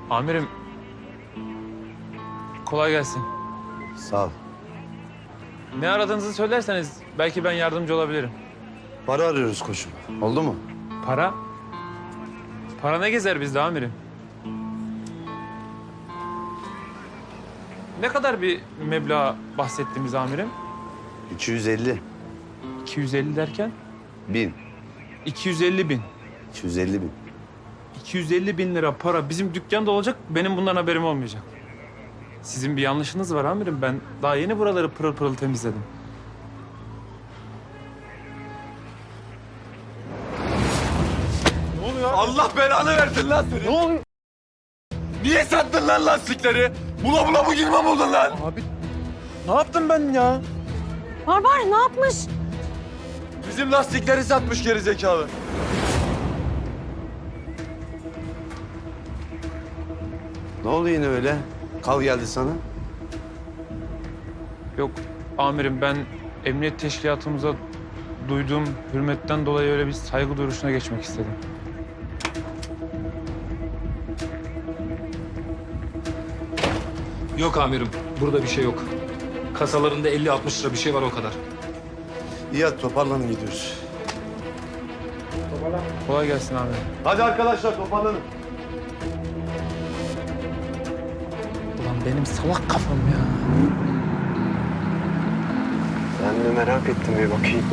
Amirim, kolay gelsin. Sağ ol. Ne aradığınızı söylerseniz belki ben yardımcı olabilirim. Para arıyoruz koçum. Oldu mu? Para? Para ne gezer bizde amirim? Ne kadar bir meblağ bahsettiğimiz amirim? 250 250 derken? bin. 250 bin. 250 bin. 250 bin lira para bizim dükkanda olacak, benim bundan haberim olmayacak. Sizin bir yanlışınız var amirim. Ben daha yeni buraları pırıl pırıl temizledim. Ne oluyor? Allah belanı versin lan seni. Ne oluyor? Niye sattın lan lastikleri? Bula bula bu girme buldun lan. Abi ne yaptım ben ya? Barbar ne yapmış? Bizim lastikleri satmış geri zekalı. Ne oldu yine öyle? Kal geldi sana. Yok amirim, ben emniyet teşkilatımıza duyduğum hürmetten dolayı öyle bir saygı duruşuna geçmek istedim. Yok amirim, burada bir şey yok. Kasalarında 50-60 lira bir şey var o kadar. İyi hadi toparlanın gidiyoruz. Kolay gelsin amirim. Hadi arkadaşlar toparlanın. Ulan benim salak kafam ya. Ben de merak ettim bir bakayım.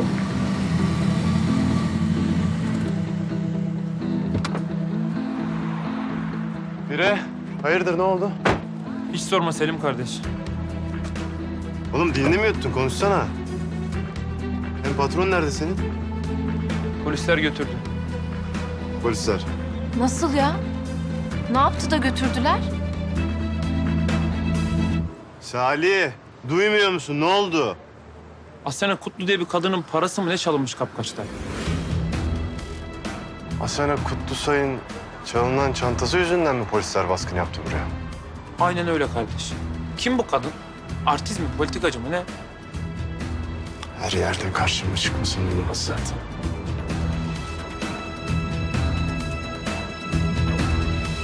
Bire, hayırdır ne oldu? Hiç sorma Selim kardeş. Oğlum dilini mi yuttun? Konuşsana. Hem patron nerede senin? Polisler götürdü. Polisler. Nasıl ya? Ne yaptı da götürdüler? Salih, duymuyor musun? Ne oldu? Asena Kutlu diye bir kadının parası mı ne çalınmış kapkaçta? Asena Kutlusay'ın çalınan çantası yüzünden mi polisler baskın yaptı buraya? Aynen öyle kardeş. Kim bu kadın? Artist mi, politikacı mı ne? Her yerden karşıma çıkmasın olmaz zaten.